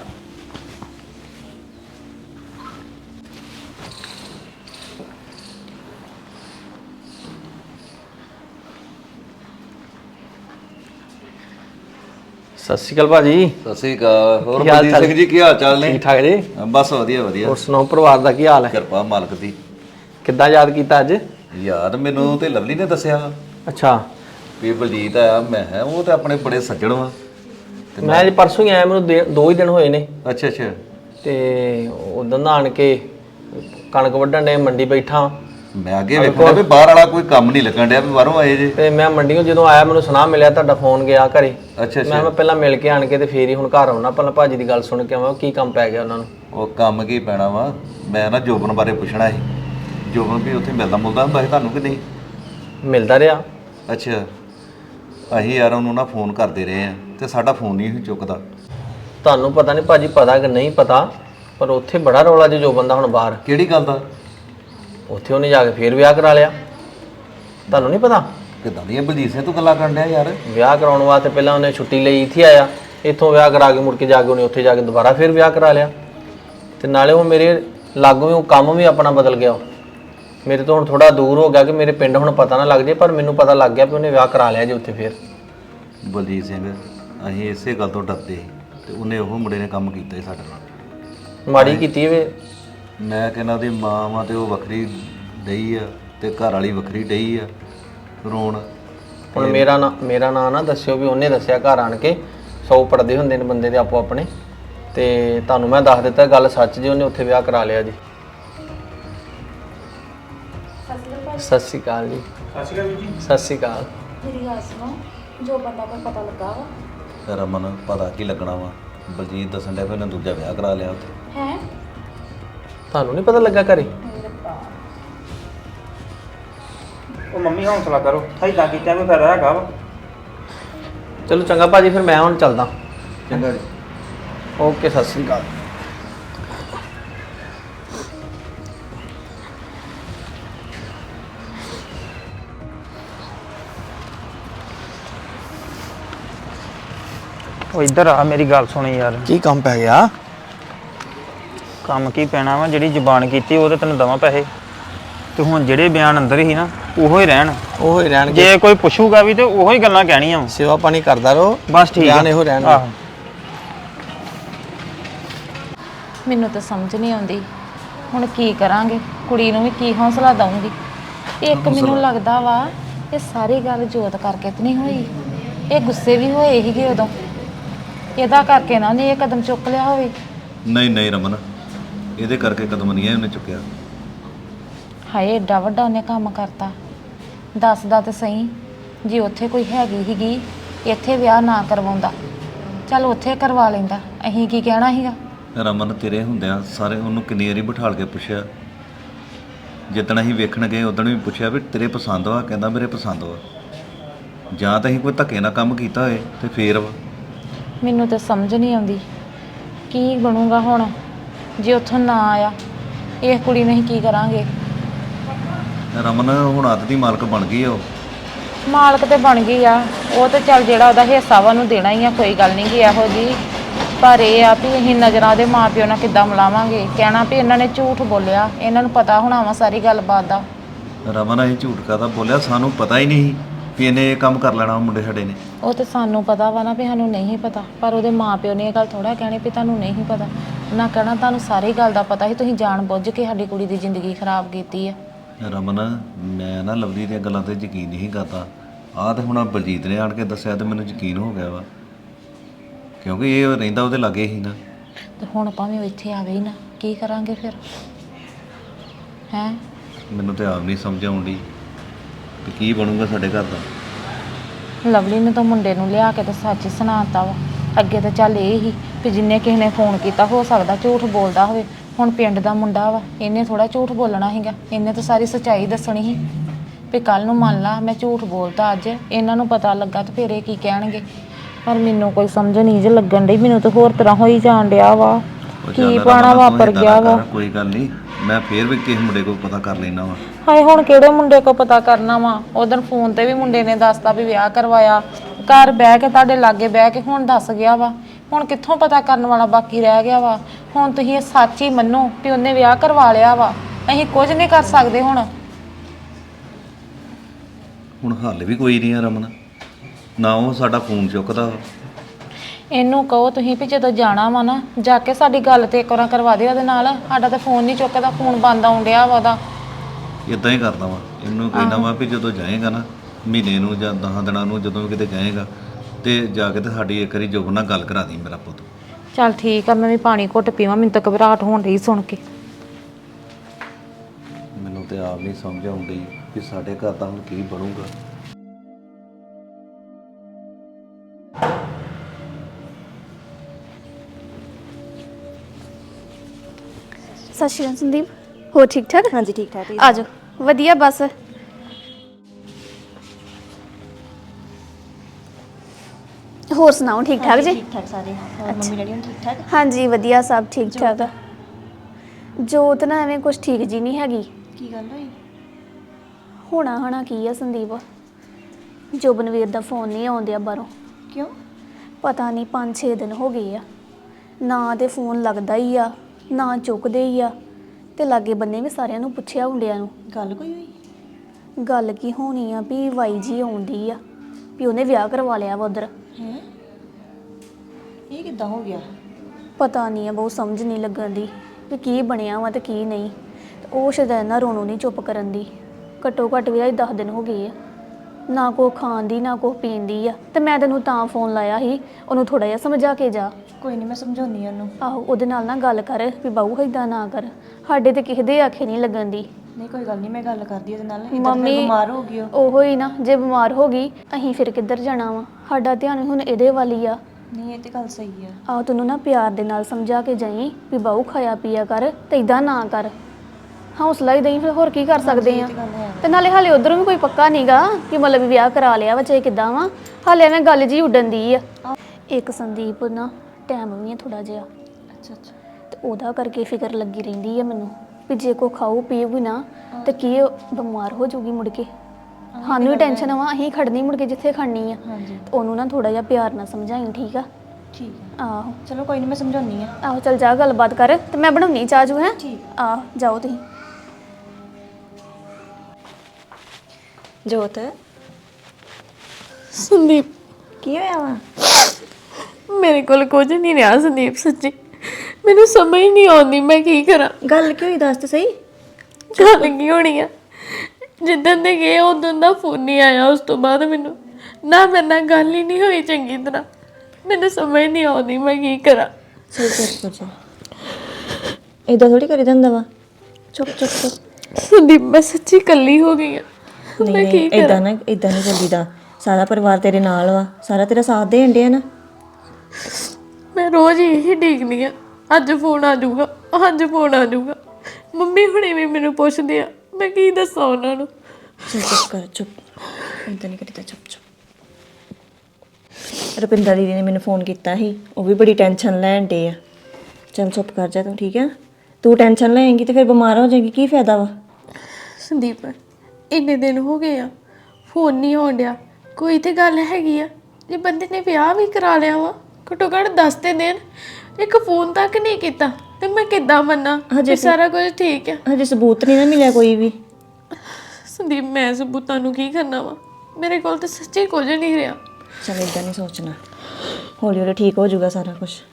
Speaker 7: ਸਤਿ ਸ਼੍ਰੀ ਅਕਾਲ ਭਾਜੀ।
Speaker 5: ਸਤਿ ਸ੍ਰੀ ਅਕਾਲ। ਹੋਰ
Speaker 7: ਕੀ ਹਾਲ
Speaker 5: ਬਲਜੀਤ
Speaker 7: ਚਾਲ?
Speaker 5: ਸਿੰਘ ਜੀ ਕੀ ਹਾਲ ਚਾਲ ਨੇ?
Speaker 7: ਠੀਕ ਠਾਕ ਜੀ।
Speaker 5: ਬਸ ਵਧੀਆ ਵਧੀਆ।
Speaker 7: ਹੋਰ ਸੁਣਾਓ ਪਰਿਵਾਰ ਦਾ ਕੀ ਹਾਲ ਹੈ?
Speaker 5: ਕਿਰਪਾ ਮਾਲਕ ਦੀ।
Speaker 7: ਕਿੱਦਾਂ ਯਾਦ ਕੀਤਾ ਅੱਜ?
Speaker 5: ਯਾਦ ਮੈਨੂੰ ਤੇ ਲਵਲੀ ਨੇ ਦੱਸਿਆ
Speaker 7: ਅੱਛਾ
Speaker 5: ਵੀ ਬਲਜੀਤ ਆਇਆ। ਮੈਂ ਕਿਹਾ ਉਹ ਤੇ ਆਪਣੇ ਬੜੇ ਸੱਜਣ ਵਾ। ਤੇ
Speaker 7: ਮੈਂ ਅੱਜ ਪਰਸੋਂ ਹੀ ਆਇਆ, ਮੈਨੂੰ ਦੇ- ਦੋ ਹੀ ਦਿਨ ਹੋਏ ਨੇ
Speaker 5: ਅੱਛਾ ਅੱਛਾ
Speaker 7: ਤੇ ਉਦੋਂ ਦਾ ਆਣ ਕੇ ਕਣਕ ਵੱਢਣ ਨੇ ਮੰਡੀ ਬੈਠਾ
Speaker 5: ਮੈਂ ਅੱਗੇ ਵੇਖਿਆ ਵੀ ਬਾਹਰ ਵਾਲਾ ਕੋਈ ਕੰਮ ਨਹੀਂ ਲੱਗਣ ਡਿਆ ਵੀ ਬਾਹਰੋਂ ਆਏ ਜੇ।
Speaker 7: ਤੇ ਮੈਂ ਮੰਡੀੋਂ ਜਦੋਂ ਆਇਆ ਮੈਨੂੰ ਸੁਨਾਹ ਮਿਲਿਆ ਤੁਹਾਡਾ ਫੋਨ ਗਿਆ ਘਰੇ।
Speaker 5: ਅੱਛਾ
Speaker 7: ਮੈਂ
Speaker 5: ਅੱਛਾ।
Speaker 7: ਮੈਂ ਪਹਿਲਾਂ ਮਿਲ ਕੇ ਆਣ ਕੇ ਤੇ ਫੇਰ ਹੀ ਹੁਣ ਘਰ ਆਉਣਾ, ਪਹਿਲਾਂ ਭਾਜੀ ਦੀ ਗੱਲ ਸੁਣ ਕੇ ਆਵਾਂ ਕੀ ਕੰਮ ਪੈ ਗਿਆ ਉਹਨਾਂ ਨੂੰ।
Speaker 5: ਉਹ ਕੰਮ ਕੀ ਪੈਣਾ ਵਾ, ਮੈਂ ਨਾ ਜੋਬਨ ਬਾਰੇ ਪੁੱਛਣਾ ਸੀ। ਜੋਬਨ ਵੀ ਉੱਥੇ ਮਿਲਦਾ ਮੁਲਦਾ ਹੁੰਦਾ ਸੀ ਤੁਹਾਨੂੰ ਕਿ ਨਹੀਂ?
Speaker 7: ਮਿਲਦਾ ਰਿਹਾ।
Speaker 5: ਅੱਛਾ। ਅਸੀਂ ਯਾਰ ਉਹਨੂੰ ਨਾ ਫੋਨ ਕਰਦੇ ਰਹੇ ਆ ਤੇ ਸਾਡਾ ਫੋਨ ਨਹੀਂ ਸੀ ਚੁੱਕਦਾ।
Speaker 7: ਤੁਹਾਨੂੰ ਪਤਾ ਨਹੀਂ ਭਾਜੀ ਪਤਾ ਕਿ ਨਹੀਂ ਪਤਾ, ਪਰ ਉੱਥੇ ਬੜਾ ਰੌਲਾ ਜੇ ਜੋ ਬੰਦਾ ਹੁਣ ਬਾਹਰ।
Speaker 5: ਕਿਹੜੀ ਗੱਲ ਦਾ?
Speaker 7: ਉੱਥੇ ਉਹਨੇ ਜਾ ਕੇ ਫੇਰ ਵਿਆਹ ਕਰਾ ਲਿਆ। ਤੁਹਾਨੂੰ ਨਹੀਂ ਪਤਾ?
Speaker 5: ਕਿੱਦਾਂ ਦੀਆਂ ਬਲਜੀਤ ਸਿੰਘ ਤੂੰ ਗੱਲਾਂ ਕਰਨ ਡਿਆ ਯਾਰ?
Speaker 7: ਵਿਆਹ ਕਰਾਉਣ ਵਾਸਤੇ ਪਹਿਲਾਂ ਉਹਨੇ ਛੁੱਟੀ ਲਈ ਇੱਥੇ ਆਇਆ, ਇੱਥੋਂ ਵਿਆਹ ਕਰਾ ਕੇ ਮੁੜ ਕੇ ਜਾ ਕੇ ਉਹਨੇ ਉੱਥੇ ਜਾ ਕੇ ਦੁਬਾਰਾ ਫਿਰ ਵਿਆਹ ਕਰਾ ਲਿਆ। ਤੇ ਨਾਲੇ ਉਹ ਮੇਰੇ ਲਾਗੋਂ ਹੀ ਉਹ ਕੰਮ ਵੀ ਆਪਣਾ ਬਦਲ ਗਿਆ। ਮੇਰੇ ਤੋਂ ਹੁਣ ਥੋੜਾ ਦੂਰ ਹੋ ਗਿਆ ਕਿ ਮੇਰੇ ਪਿੰਡ ਹੁਣ ਪਤਾ ਨਾ ਲੱਗ ਜੇ, ਪਰ ਮੈਨੂੰ ਪਤਾ ਲੱਗ ਗਿਆ ਵੀ ਉਹਨੇ ਵਿਆਹ ਕਰਾ ਲਿਆ ਜੇ ਉੱਥੇ ਫਿਰ।
Speaker 5: ਬਲਜੀਤ ਸਿੰਘ ਅਸੀਂ ਇਸੇ ਗੱਲ ਤੋਂ ਡਰਦੇ ਸੀ ਤੇ ਉਹਨੇ ਉਹ ਮੁੰਡੇ ਨੇ ਕੰਮ ਕੀਤਾ ਹੀ ਸਾਡੇ ਨਾਲ।
Speaker 7: ਮਾੜੀ ਕੀਤੀ ਵੇ।
Speaker 5: ਮੈਂ ਕਹਿੰਦਾ ਉਹਦੀ ਮਾਂ ਵਾ ਤੇ ਉਹ ਵੱਖਰੀ ਡਈ ਆ ਤੇ ਘਰ ਵਾਲੀ ਵੱਖਰੀ ਡਈ ਆ ਰੋਣ।
Speaker 7: ਹੁਣ ਮੇਰਾ ਨਾਂ ਮੇਰਾ ਨਾਂ ਨਾ ਦੱਸਿਓ ਵੀ ਉਹਨੇ ਦੱਸਿਆ ਘਰ ਆਣ ਕੇ। ਸੌ ਪੜਦੇ ਹੁੰਦੇ ਨੇ ਬੰਦੇ ਦੇ ਆਪੋ ਆਪਣੇ, ਤੇ ਤੁਹਾਨੂੰ ਮੈਂ ਦੱਸ ਦਿੱਤਾ ਗੱਲ ਸੱਚ ਜੀ, ਉਹਨੇ ਉੱਥੇ ਵਿਆਹ ਕਰਾ ਲਿਆ ਜੀ। ਸਤਿ ਸ਼੍ਰੀ ਅਕਾਲ ਜੀ।
Speaker 1: ਸਤਿ ਸ਼੍ਰੀ ਅਕਾਲ ਜੀ।
Speaker 7: ਸਤਿ ਸ਼੍ਰੀ ਅਕਾਲ।
Speaker 6: ਮੇਰੀ ਗੱਲ ਸੁਣੋ, ਜੋ ਬੰਦਾ ਕੋਈ ਪਤਾ ਲੱਗਾ ਵਾ
Speaker 5: ਰਮਨ ਪਤਾ ਕੀ ਲੱਗਣਾ ਵਾ, ਬਲਜੀਤ ਦੱਸਣ ਡਿਆ ਵੀ ਉਹਨੇ ਦੂਜਾ ਵਿਆਹ ਕਰਾ ਲਿਆ ਉੱਥੇ।
Speaker 6: ਹੈ।
Speaker 7: ਤੁਹਾਨੂੰ ਨਹੀਂ ਪਤਾ ਲੱਗਾ ਘਰੇ?
Speaker 4: ਉਹ ਮੰਮੀ ਹੌਂਸਲਾ ਕਰੋ, ਇਦਾਂ ਕੀਤਾ ਕੋਈ ਫਾਇਦਾ ਹੈਗਾ ਵਾ?
Speaker 7: ਚਲੋ ਚੰਗਾ ਭਾਜੀ, ਫਿਰ ਮੈਂ ਹੁਣ ਚੱਲਦਾ।
Speaker 5: ਚੰਗਾ ਜੀ।
Speaker 7: ਓਕੇ ਸਤਿ ਸ਼੍ਰੀ ਅਕਾਲ।
Speaker 4: ਉਹ ਇੱਧਰ ਆ, ਮੇਰੀ ਗੱਲ ਸੁਣੀ ਯਾਰ।
Speaker 7: ਕੀ ਕੰਮ ਪੈ ਗਿਆ?
Speaker 4: ਕੰਮ ਕੀ ਪੈਣਾ ਵਾ, ਜਿਹੜੀ ਜ਼ੁਬਾਨ ਕੀਤੀ ਉਹ ਤੇ ਤੈਨੂੰ ਦਵਾਂ ਪੈਸੇ, ਤੇ ਹੁਣ ਜਿਹੜੇ ਬਿਆਨ ਅੰਦਰ ਹੀ ਨਾ ਉਹੋ ਹੀ ਰਹਿਣ।
Speaker 7: ਉਹ ਹੀ ਰਹਿਣਗੇ।
Speaker 4: ਜੇ ਕੋਈ ਪੁੱਛੂਗਾ ਵੀ ਤੇ ਉਹੋ ਹੀ ਗੱਲਾਂ ਕਹਿਣੀਆਂ ਵਾ।
Speaker 7: ਸੇਵਾ ਪਾਣੀ ਕਰਦਾ ਰਹੋ,
Speaker 4: ਬਸ ਠੀਕ
Speaker 7: ਬਿਆਨ
Speaker 4: ਆ।
Speaker 7: ਇਹੋ ਰਹਿਣਗੇ।
Speaker 4: ਆਹੋ।
Speaker 6: ਮੈਨੂੰ ਤਾਂ ਸਮਝ ਨਹੀਂ ਆਉਂਦੀ ਹੁਣ ਕੀ ਕਰਾਂਗੇ, ਕੁੜੀ ਨੂੰ ਵੀ ਕੀ ਹੌਸਲਾ ਦਵਾਂਗੀ। ਇੱਕ ਮੈਨੂੰ ਲੱਗਦਾ ਵਾ ਇਹ ਸਾਰੀ ਗੱਲ ਜੋਤ ਕਰਕੇ ਤੇ ਨਹੀਂ ਹੋਈ, ਇਹ ਗੁੱਸੇ ਵੀ ਹੋਏ ਸੀਗੇ ਉਦੋਂ, ਇਹਦਾ ਕਰਕੇ ਨਾ ਉਹਨੇ ਇਹ ਕਦਮ ਚੁੱਕ ਲਿਆ ਹੋਵੇ।
Speaker 5: ਨਹੀਂ ਨਹੀਂ ਰਮਨ, ਇਹਦੇ ਕਰਕੇ ਕਦਮ ਨਹੀਂ ਹੈ ਉਹਨੇ ਚੁੱਕਿਆ।
Speaker 6: ਹਾਏ ਏਡਾ ਵੱਡਾ ਉਹਨੇ ਕੰਮ ਕਰਤਾ, ਦੱਸਦਾ ਤੇ ਸਹੀ। ਜੇ ਉੱਥੇ ਕੋਈ ਹੈਗੀ ਸੀਗੀ ਇੱਥੇ ਵਿਆਹ ਨਾ ਕਰਵਾਉਂਦਾ, ਚੱਲ ਉੱਥੇ ਕਰਵਾ ਲੈਂਦਾ, ਅਸੀਂ ਕੀ ਕਹਿਣਾ ਸੀਗਾ।
Speaker 5: ਰਮਨ ਤੇਰੇ ਹੁੰਦਿਆਂ ਸਾਰੇ ਉਹਨੂੰ ਕਿੰਨੀ ਵਾਰੀ ਬਿਠਾਲ ਕੇ ਪੁੱਛਿਆ, ਜਿੱਦਣ ਅਸੀਂ ਵੇਖਣ ਗਏ ਉਦਣ ਵੀ ਪੁੱਛਿਆ ਵੀ ਤੇਰੇ ਪਸੰਦ ਵਾ? ਕਹਿੰਦਾ ਮੇਰੇ ਪਸੰਦ ਵਾ। ਜਾਂ ਤਾਂ ਅਸੀਂ ਕੋਈ ਧੱਕੇ ਨਾਲ ਕੰਮ ਕੀਤਾ ਹੋਏ ਤੇ ਫੇਰ ਵਾ।
Speaker 6: ਮੈਨੂੰ ਤਾਂ ਸਮਝ ਨਹੀਂ ਆਉਂਦੀ ਕੀ ਬਣੂਗਾ ਹੁਣ ਜੇ ਉੱਥੋਂ ਨਾ ਆਇਆ। ਇਹ ਕੁੜੀ ਨੂੰ ਅਸੀਂ ਕੀ ਕਰਾਂਗੇ?
Speaker 5: ਰਮਨ ਹੁਣ ਅੱਧ ਦੀ ਮਾਲਕ ਬਣ ਗਈ ਆ ਉਹ।
Speaker 6: ਮਾਲਕ ਤੇ ਬਣ ਗਈ ਆ ਉਹ, ਤੇ ਚੱਲ ਜਿਹੜਾ ਉਹਦਾ ਹਿੱਸਾ ਵਾ ਉਹਨੂੰ ਦੇਣਾ ਹੀ ਆ, ਕੋਈ ਗੱਲ ਨਹੀਂ ਗੀ ਇਹੋ ਜੀ। ਪਰ ਇਹ ਆ ਵੀ ਅਸੀਂ ਨਜ਼ਰਾਂ ਦੇ ਮਾਂ ਪਿਓ ਨਾਲ ਕਿੱਦਾਂ ਮਿਲਾਵਾਂਗੇ? ਕਹਿਣਾ ਵੀ ਇਹਨਾਂ ਨੇ ਝੂਠ ਬੋਲਿਆ, ਇਹਨਾਂ ਨੂੰ ਪਤਾ ਹੋਣਾ ਵਾ ਸਾਰੀ ਗੱਲਬਾਤ ਦਾ।
Speaker 5: ਰਮਨ ਅਸੀਂ ਝੂਠ ਕਾਹਦਾ ਬੋਲਿਆ, ਸਾਨੂੰ ਪਤਾ ਹੀ ਨਹੀਂ ਵੀ ਇਹਨੇ ਇਹ ਕੰਮ ਕਰ ਲੈਣਾ ਮੁੰਡੇ ਸਾਡੇ ਨੇ।
Speaker 6: ਉਹ ਤੇ ਸਾਨੂੰ ਪਤਾ ਵਾ ਨਾ ਵੀ ਸਾਨੂੰ ਨਹੀਂ ਪਤਾ, ਪਰ ਉਹਦੇ ਮਾਂ ਪਿਓ ਨੇ ਇਹ ਗੱਲ ਥੋੜਾ ਕਹਿਣੀ ਵੀ ਤੁਹਾਨੂੰ ਨਹੀਂ ਪਤਾ। ਉਹਨਾਂ ਕਹਿਣਾ ਤੁਹਾਨੂੰ ਸਾਰੀ ਗੱਲ ਦਾ ਪਤਾ ਸੀ, ਤੁਸੀਂ ਜਾਣ ਬੁੱਝ ਕੇ ਸਾਡੀ ਕੁੜੀ ਦੀ ਜ਼ਿੰਦਗੀ ਖਰਾਬ ਕੀਤੀ ਆ।
Speaker 5: ਰਮਨ ਮੈਂ ਨਾ ਲਵਲੀ ਦੀਆਂ ਗੱਲਾਂ ਤੇ ਯਕੀਨ ਨਹੀਂ ਕਰਦਾ। ਆਹ ਤੇ ਹੁਣ ਬਲਜੀਤ ਨੇ ਆਣ ਕੇ ਦੱਸਿਆ ਤੇ ਮੈਨੂੰ ਯਕੀਨ ਹੋ ਗਿਆ ਵਾ। ਕਿਉਂਕਿ ਇਹ ਰਹਿੰਦਾ ਉਹਦੇ ਲਾਗੇ ਹੀ ਨਾ।
Speaker 6: ਤੇ ਹੁਣ ਭਾਵੇਂ ਉਹ ਇੱਥੇ ਆਵੇ ਹੀ ਨਾ, ਕੀ ਕਰਾਂਗੇ ਫਿਰ ਹੈ?
Speaker 5: ਮੈਨੂੰ ਤੇ ਆਪ ਨਹੀਂ ਸਮਝ ਆਉਂਦੀ ਕਿ ਕੀ ਬਣੂਗਾ ਸਾਡੇ ਘਰ ਦਾ।
Speaker 6: ਲਵਲੀ ਨੇ ਤਾਂ ਮੁੰਡੇ ਨੂੰ ਲਿਆ ਕੇ ਤੇ ਸੱਚ ਹੀ ਸੁਣਾਤਾ ਵਾ। ਅੱਗੇ ਤਾਂ ਚੱਲ ਇਹ ਹੀ ਵੀ ਜਿੰਨੇ ਕਿਸੇ ਨੇ ਫੋਨ ਕੀਤਾ ਹੋ ਸਕਦਾ ਝੂਠ ਬੋਲਦਾ ਹੋਵੇ। ਹੁਣ ਪਿੰਡ ਦਾ ਮੁੰਡਾ ਵਾ, ਇਹਨੇ ਥੋੜਾ ਝੂਠ ਬੋਲਣਾ ਸੀਗਾ, ਇਹਨੇ ਤਾਂ ਸਾਰੀ ਸੱਚਾਈ ਦੱਸਣੀ ਸੀ ਵੀ ਕੱਲ ਨੂੰ ਮੰਨ ਲਾ ਮੈਂ ਝੂਠ ਬੋਲਤਾ, ਅੱਜ ਇਹਨਾਂ ਨੂੰ ਪਤਾ ਲੱਗਾ ਤੇ ਫਿਰ ਇਹ ਕੀ ਕਹਿਣਗੇ। ਪਰ ਮੈਨੂੰ ਕੋਈ ਸਮਝ ਨਹੀਂ ਜੇ ਲੱਗਣ ਡਈ, ਮੈਨੂੰ ਤਾਂ ਹੋਰ ਤਰ੍ਹਾਂ ਹੋਈ ਜਾਣ ਡਿਆ ਵਾ।
Speaker 5: ਉਹ
Speaker 6: ਕੀ
Speaker 5: ਚੱਲ
Speaker 6: ਪਾਣਾ
Speaker 5: ਰਮਨ, ਤੂੰ
Speaker 6: ਵਾਪਰ
Speaker 5: ਏਦਾਂ
Speaker 6: ਗਿਆ
Speaker 5: ਨਾ
Speaker 6: ਵਾ।
Speaker 5: ਕਰ, ਕੋਈ ਗੱਲ ਨਹੀਂ, ਮੈਂ ਫੇਰ ਵੀ ਕਿਸੇ ਮੁੰਡੇ ਕੋਲ ਪਤਾ ਕਰ ਲੈਣਾ ਵਾ।
Speaker 6: ਹਾਏ ਹੁਣ ਕਿਹੜੇ ਮੁੰਡੇ ਕੋ ਪਤਾ ਕਰਨਾ ਵਾ? ਉਧਰ ਫੋਨ ਤੇ ਵੀ ਮੁੰਡੇ ਨੇ ਦੱਸਤਾ ਵੀ ਵਿਆਹ ਕਰਵਾਇਆ, ਘਰ ਬਹਿ ਕੇ ਤੁਹਾਡੇ ਲਾਗੇ ਬਹਿ ਕੇ ਹੁਣ ਦੱਸ ਗਿਆ ਵਾ। ਹੁਣ ਕਿੱਥੋਂ ਪਤਾ ਕਰਨ ਵਾਲਾ ਬਾਕੀ ਰਹਿ ਗਿਆ ਵਾ? ਹੁਣ ਤੁਸੀਂ ਇਹ ਸੱਚ ਹੀ ਮੰਨੋ ਵੀ ਉਹਨੇ ਵਿਆਹ ਕਰਵਾ ਲਿਆ ਵਾ, ਅਸੀਂ ਕੁਝ ਨਹੀਂ ਕਰ ਸਕਦੇ ਹੁਣ।
Speaker 5: ਹੁਣ ਹੱਲ ਵੀ ਕੋਈ ਨਹੀਂ ਆ ਰਮਨ, ਨਾ ਉਹ ਸਾਡਾ ਫੋਨ ਚੁੱਕਦਾ ਵਾ।
Speaker 6: ਇਹਨੂੰ ਕਹੋ ਤੁਸੀਂ ਵੀ ਜਦੋਂ ਜਾਣਾ ਵਾ ਨਾ, ਜਾ ਕੇ ਸਾਡੀ ਗੱਲ ਤੇ ਇੱਕ ਵਾਰ ਕਰਵਾ ਦਿਓ ਉਹਦੇ ਨਾਲ। ਸਾਡਾ ਤਾਂ ਫੋਨ ਨਹੀਂ ਚੁੱਕਦਾ, ਫੋਨ ਬੰਦ ਆਉਣ ਡਿਆ ਵਾ ਉਹਦਾ।
Speaker 5: ਇਦਾਂ ਹੀ ਕਰਦਾ ਵਾ, ਇਹਨੂੰ ਕਹਿਣਾ ਵਾ ਵੀ ਜਦੋਂ ਜਾਏਗਾ ਨਾ ਮਹੀਨੇ ਨੂੰ ਜਾਂ ਦਸਾਂ ਦਿਨਾਂ ਨੂੰ, ਜਦੋਂ ਵੀ ਕਿਤੇ ਜਾਏਗਾ ਤੇ ਜਾ ਕੇ ਤੇ ਸਾਡੀ ਇੱਕ ਵਾਰੀ ਜੋਬ ਨਾਲ ਗੱਲ ਕਰਾ ਦੀ ਮੇਰਾ ਪੁੱਤ।
Speaker 6: ਚੱਲ ਠੀਕ ਆ, ਮੈਂ ਵੀ ਪਾਣੀ ਘੁੱਟ ਪੀਵਾਂ, ਮੈਨੂੰ ਤਾਂ ਘਬਰਾਹਟ ਹੋਣ ਰਹੀ ਸੁਣ ਕੇ।
Speaker 5: ਮੈਨੂੰ ਤੇ ਆਪ ਨਹੀਂ ਸਮਝ ਆਉਂਦੀ ਕਿ ਸਾਡੇ ਘਰ ਦਾ ਹੁਣ ਕੀ ਬਣੂਗਾ।
Speaker 3: ਸਤਿ ਸ਼੍ਰੀ ਅਕਾਲ ਸੰਦੀਪ, ਹੋ ਠੀਕ ਠਾਕ?
Speaker 8: ਹਾਂਜੀ ਠੀਕ ਠਾਕ।
Speaker 3: ਆ ਜਾਓ। ਵਧੀਆ ਬਸ। ਹੋਰ ਸੁਣਾਓ, ਠੀਕ ਠਾਕ ਜੀ?
Speaker 8: ਠੀਕ ਠਾਕ ਸਾਰੇ। ਹੋਰ ਮੰਮੀ ਡੈਡੀ ਹੁਣ ਠੀਕ ਠਾਕ?
Speaker 3: ਹਾਂਜੀ ਵਧੀਆ, ਸਭ ਠੀਕ ਠਾਕ। ਜੋਤ ਨਾ ਐਵੇਂ ਕੁਝ ਠੀਕ ਜੀ ਨਹੀਂ ਹੈਗੀ।
Speaker 8: ਕੀ ਗੱਲ ਹੋਈ?
Speaker 3: ਹੋਣਾ ਹਣਾ ਕੀ ਆ ਸੰਦੀਪ, ਜੋਬਨਵੀਰ ਦਾ ਫੋਨ ਨਹੀਂ ਆਉਂਦਿਆ ਬਾਹਰੋਂ।
Speaker 8: ਕਿਉਂ?
Speaker 3: ਪਤਾ ਨਹੀਂ ਪੰਜ ਛੇ ਦਿਨ ਹੋ ਗਏ ਆ, ਨਾ ਤੇ ਫੋਨ ਲੱਗਦਾ ਹੀ ਆ, ਨਾ ਚੁੱਕਦੇ ਹੀ ਆ। ਤੇ ਲਾਗੇ ਬੰਨੇ ਵੀ ਸਾਰਿਆਂ ਨੂੰ ਪੁੱਛਿਆ ਹੁੰਦਿਆਂ ਨੂੰ।
Speaker 8: ਗੱਲ ਕੋਈ ਹੋਈ?
Speaker 3: ਗੱਲ ਕੀ ਹੋਣੀ ਆ ਵੀ ਵਾਈ ਜੀ ਆਉਂਦੀ ਆ ਵੀ ਉਹਨੇ ਵਿਆਹ ਕਰਵਾ ਲਿਆ ਵਾ ਉਧਰ।
Speaker 8: ਹੈ ਇਹ ਕਿੱਦਾਂ ਹੋ ਗਿਆ?
Speaker 3: ਪਤਾ ਨਹੀਂ ਆ, ਬਹੁਤ ਸਮਝ ਨਹੀਂ ਲੱਗਣ ਦੀ ਵੀ ਕੀ ਬਣਿਆ ਵਾ ਤੇ ਕੀ ਨਹੀਂ। ਤੇ ਉਹ ਸ਼ਾਇਦ ਨਾ ਰੋਣੋਂ ਨਹੀਂ ਚੁੱਪ ਕਰਨ ਦੀ। ਘੱਟੋ ਘੱਟ ਵੀ ਅੱਜ ਦਸ ਦਿਨ ਹੋ ਗਏ ਆ, ਨਾ ਕੋ ਖਾਣ ਦੀ ਨਾ ਕੋ ਪੀਣ ਦੀ ਆ। ਤੇ ਮੈਂ ਤੈਨੂੰ ਤਾਂ ਫੋਨ ਲਾਇਆ ਸੀ, ਉਹਨੂੰ ਥੋੜਾ ਜਿਹਾ ਸਮਝਾ ਕੇ ਜਾ।
Speaker 8: ਕੋਈ ਨਹੀਂ, ਮੈਂ ਸਮਝਾਉਣੀ ਉਹਨੂੰ।
Speaker 3: ਆਹੋ, ਉਹਦੇ ਨਾਲ ਨਾ ਗੱਲ ਕਰ ਵੀ ਬਾਊ ਏਦਾਂ ਨਾ ਕਰ, ਸਾਡੇ ਤੇ ਕਿਸੇ ਦੇ ਆਖੇ ਨਹੀਂ ਲੱਗਣ ਦੀ।
Speaker 8: ਨਹੀਂ ਕੋਈ ਗੱਲ ਨਹੀਂ, ਮੈਂ ਗੱਲ ਕਰਦੀ ਉਹਦੇ ਨਾਲ। ਇੱਦਾਂ ਤਾਂ
Speaker 3: ਮੰਮੀ
Speaker 8: ਫਿਰ ਬਿਮਾਰ ਹੋ ਗਈ ਉਹ।
Speaker 3: ਉਹੋ ਹੀ ਨਾ, ਜੇ ਬਿਮਾਰ ਹੋ ਗਈ ਅਸੀਂ ਫਿਰ ਕਿੱਧਰ ਜਾਣਾ ਵਾ? ਸਾਡਾ ਧਿਆਨ ਹੁਣ ਇਹਦੇ ਵੱਲ ਹੀ ਆ।
Speaker 8: ਨਹੀਂ ਇਹ ਤੇ ਗੱਲ ਸਹੀ ਆ।
Speaker 3: ਆਹੋ, ਤੈਨੂੰ ਨਾ ਪਿਆਰ ਦੇ ਨਾਲ ਸਮਝਾ ਕੇ ਜਾਈ ਵੀ ਬਾਊ ਖਾਇਆ ਪੀਆ ਕਰ ਤੇ ਇਦਾਂ ਨਾ ਕਰ। ਹੌਸਲਾ ਹੀ ਦੇਈ, ਫਿਰ ਹੋਰ ਕੀ ਕਰ ਸਕਦੇ ਆ? ਤੇ ਨਾਲੇ ਹਾਲੇ ਉਧਰੋਂ ਵੀ ਕੋਈ ਪੱਕਾ ਨਹੀਂਗਾ ਕਿ ਮਤਲਬ ਵਿਆਹ ਕਰਾ ਲਿਆ ਵਾ ਚਾਹੇ ਕਿੱਦਾਂ ਵਾ। ਹਾਲੇ ਐਵੇਂ ਗੱਲ ਜੀ ਉੱਡਣ ਦੀ ਆ। ਇੱਕ ਸੰਦੀਪ ਨਾ ਟਾਈਮ ਵੀ ਆ ਥੋੜਾ ਜਿਹਾ,
Speaker 8: ਅੱਛਾ ਅੱਛਾ।
Speaker 3: ਤੇ ਉਹਦਾ ਕਰਕੇ ਫਿਕਰ ਲੱਗੀ ਰਹਿੰਦੀ ਆ ਮੈਨੂੰ ਵੀ ਜੇ ਕੋ ਖਾਊ ਪੀਊਗੀ ਨਾ ਤੇ ਕੀ ਬਿਮਾਰ ਹੋ ਜਾਊਗੀ ਮੁੜ ਕੇ। ਸਾਨੂੰ ਵੀ ਟੈਨਸ਼ਨ ਆ, ਅਸੀਂ ਖੜਨੀ ਮੁੜ ਕੇ ਜਿੱਥੇ ਖੜਨੀ ਆ।
Speaker 8: ਹਾਂਜੀ
Speaker 3: ਉਹਨੂੰ ਨਾ ਥੋੜਾ ਜਿਹਾ ਪਿਆਰ ਨਾਲ ਸਮਝਾਈ, ਠੀਕ ਆ?
Speaker 8: ਠੀਕ ਆ।
Speaker 3: ਆਹੋ
Speaker 8: ਚਲੋ ਕੋਈ ਨਹੀਂ, ਮੈਂ ਸਮਝਾਉਣੀ ਆ।
Speaker 3: ਆਹੋ, ਚੱਲ ਜਾ ਗੱਲਬਾਤ ਕਰ ਤੇ ਮੈਂ ਬਣਾਉਣੀ ਚਾਹ ਜੂ। ਹੈ
Speaker 8: ਠੀਕ।
Speaker 3: ਆਹ ਜਾਓ ਤੁਸੀਂ।
Speaker 8: ਜੋਤ
Speaker 2: ਸੰਦੀਪ,
Speaker 8: ਕੀ ਹੋਇਆ ਵਾ?
Speaker 2: ਮੇਰੇ ਕੋਲ ਕੁਝ ਨਹੀਂ ਰਿਹਾ ਸੰਦੀਪ, ਸੱਚੀ ਮੈਨੂੰ ਸਮਝ ਨਹੀਂ ਆਉਂਦੀ ਮੈਂ ਕੀ ਕਰਾਂ।
Speaker 8: ਗੱਲ ਕੀ ਹੋਈ ਦੱਸ ਤੇ ਸਹੀ।
Speaker 2: ਗੱਲ ਕੀ ਹੋਣੀ ਆ, ਜਿੱਦਣ ਦੇ ਗਏ ਉਦੋਂ ਦਾ ਫੋਨ ਨਹੀਂ ਆਇਆ। ਉਸ ਤੋਂ ਬਾਅਦ ਮੈਨੂੰ ਨਾ ਮੇਰੇ ਨਾਲ ਗੱਲ ਹੀ ਨਹੀਂ ਹੋਈ ਚੰਗੀ ਤਰ੍ਹਾਂ। ਮੈਨੂੰ ਸਮਝ ਨਹੀਂ ਆਉਂਦੀ ਮੈਂ ਕੀ ਕਰਾਂ।
Speaker 8: ਸਹੀ ਸੋਚ ਸੋਚ। ਇਦਾਂ ਥੋੜੀ ਕਰੀ ਜਾਂਦਾ ਵਾ। ਚੁੱਪ ਚੁੱਪ ਚੁੱਪ।
Speaker 2: ਸੰਦੀਪ, ਮੈਂ ਸੱਚੀ ਇਕੱਲੀ ਹੋ ਗਈ ਆ।
Speaker 8: ਨਹੀਂ
Speaker 2: ਮੈਂ ਕੀ
Speaker 8: ਨਹੀਂ,
Speaker 2: ਕਰਾਂ?
Speaker 8: ਇਦਾਂ ਨਾ, ਇਦਾਂ ਨਹੀਂ ਚੱਲੀਦਾ। ਸਾਰਾ ਪਰਿਵਾਰ ਤੇਰੇ ਨਾਲ ਵਾ, ਸਾਰਾ ਤੇਰਾ ਸਾਥ ਦੇਣ ਡਿਆ ਨਾ।
Speaker 2: ਮੈਂ ਰੋਜ਼ ਇਹੀ ਡੀਕਦੀ ਆ, ਅੱਜ ਫੋਨ ਆ ਜਾਊਗਾ, ਅੱਜ ਫੋਨ ਆ ਜਾਊਗਾ। ਮੰਮੀ ਹੁਣੇ ਵੀ ਮੈਨੂੰ ਪੁੱਛਦੇ ਆ, ਮੈਂ ਕੀ ਦੱਸਾਂ ਉਹਨਾਂ ਨੂੰ?
Speaker 8: ਚੁੱਪ ਚੁੱਪ ਕਰ, ਚੁੱਪ। ਇਦਾਂ ਨਹੀਂ ਕਰੀਦਾ, ਚੁੱਪ ਚੁੱਪ। ਰੁਪਿੰਦਰ ਦੀਦੀ ਨੇ ਮੈਨੂੰ ਫੋਨ ਕੀਤਾ ਸੀ, ਉਹ ਵੀ ਬੜੀ ਟੈਨਸ਼ਨ ਲੈਣ ਡੇ ਆ। ਚੱਲ ਚੁੱਪ ਕਰ ਜਾ ਤੂੰ, ਠੀਕ ਆ? ਤੂੰ ਟੈਨਸ਼ਨ ਲਏਂਗੀ ਤੇ ਫਿਰ ਬਿਮਾਰ ਹੋ ਜਾਏਗੀ, ਕੀ ਫਾਇਦਾ ਵਾ?
Speaker 2: ਸੰਦੀਪ, ਇੰਨੇ ਦਿਨ ਹੋ ਗਏ ਆ, ਫੋਨ ਨਹੀਂ ਆਉਣ ਡਿਆ। ਕੋਈ ਤੇ ਗੱਲ ਹੈਗੀ ਆ, ਜੇ ਬੰਦੇ ਨੇ ਵਿਆਹ ਵੀ ਕਰਾ ਲਿਆ ਵਾ, ਘੱਟੋ ਘੱਟ ਦੱਸ ਤੇ ਦੇਣ। ਇੱਕ ਫੋਨ ਤੱਕ ਨਹੀਂ ਕੀਤਾ ਤੇ ਮੈਂ ਕਿੱਦਾਂ ਮੰਨਾਂ ਕਿ ਸਾਰਾ ਕੁਝ ਠੀਕ ਆ?
Speaker 8: ਹਜੇ ਸਬੂਤ ਨਹੀਂ ਨਾ ਮਿਲਿਆ ਕੋਈ ਵੀ।
Speaker 2: ਸੰਦੀਪ, ਮੈਂ ਸਬੂਤਾਂ ਨੂੰ ਕੀ ਕਰਨਾ ਵਾ? ਮੇਰੇ ਕੋਲ ਤਾਂ ਸੱਚੀ ਕੁਝ ਨਹੀਂ ਰਿਹਾ।
Speaker 8: ਚੱਲ ਇਦਾਂ ਨਹੀਂ ਸੋਚਣਾ, ਹੌਲੀ ਹੌਲੀ ਠੀਕ ਹੋ ਜਾਊਗਾ ਸਾਰਾ ਕੁਝ।